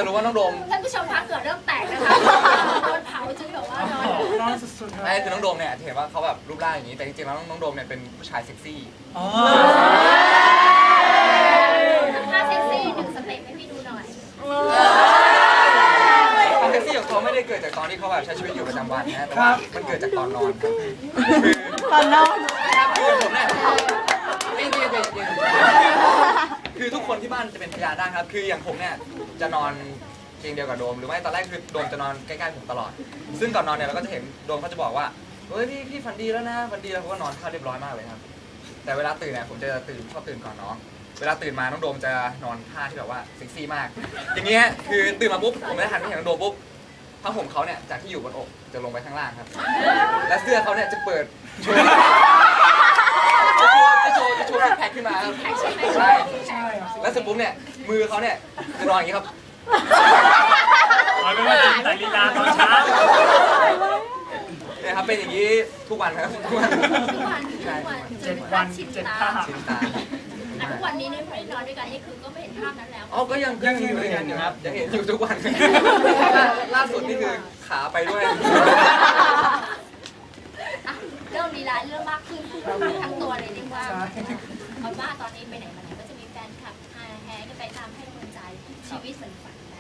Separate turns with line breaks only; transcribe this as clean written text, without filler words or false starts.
รู้ว่าน้องโดม
ท่านผู้ชมคะเกิดเริ่มแตกนะคะโดนเผาจนแบบว่านอน
สุดๆ
ไม่คือน้องโดมเนี่ยเห็นว่าเขาแบบรูปร่างอย่างนี้แต่จริงๆแล้วน้องโดมเนี่ยเป็นผู้ชายเซ็กซี่
ท่าเซ็กซี่หนึ่งสเต็ปให้พี่ดูหน่อย
ความเซ็กซี่ของเขาไม่ได้เกิดจากตอนที่เขาแบบใช้ชีวิตอยู่ประจำวันนะแต่ว่ามันเกิดจากตอนนอนครับ
ตอนนอน
ครับคือผมเนี่ยคือทุกคนที่บ้านจะเป็นพยานได้ครับคืออย่างผมเนี่ยจะนอนเตียงเดียวกับโดมหรือไม่ตอนแรกคือโดมจะนอนใกล้ๆผมตลอดซึ่งก่อนนอนเนี่ยเราก็จะเห็นโดมเขาจะบอกว่าเฮ้ยพี่ฝันดีแล้วนะฝันดีแล้วเขาก็นอนเข้าเรียบร้อยมากเลยครับแต่เวลาตื่นเนี่ยผมจะชอบตื่นก่อนน้องเวลาตื่นมาน้องโดมจะนอนท่าที่แบบว่าเซ็กซี่มากอย่างเงี้ยคือตื่นมาปุ๊บผมไม่ได้หันไปเห็นน้องโดมปุ๊บผ้าห่มเขาเนี่ยจากที่อยู่บนอกจะลงไปข้างล่างครับและเสื้อเขาเนี่ยจะเปิดโชว์จะโชว์ซิกแพคขึ้นมาครับใช่แล้วเสร็จปุ๊บเนี่ยมือเขาเนี่ยจะนอนอย่างนี้ครับ
ไม่ว่าจริงแต่ลีลาตอนเช้า
เนี่ยครับเป็นอย่างนี้ทุกวันครับทุกวัน
7 วัน 7 ภาพ
ชินตา
ทุกวันนี้เนี่ยพอได้นอนด้วยกันนี่คือก็ไม่เห็นภาพนั้นแล้ว
อ๋อก็ยังอยู่ด้วยกันอยู่ครับยังเห็นอยู่ทุกวันล่าสุดนี่คือขาไปด้วย
เรื่องลีลาเรื่องมากขึ้นทั้งตัวเลยเรียกว่าเอาว่าตอนนี้ไปไหนมาไหนก็จะมีแฟนคลับแห่กันไปตามให้กำลังใจชีวิตเหมือนฝัน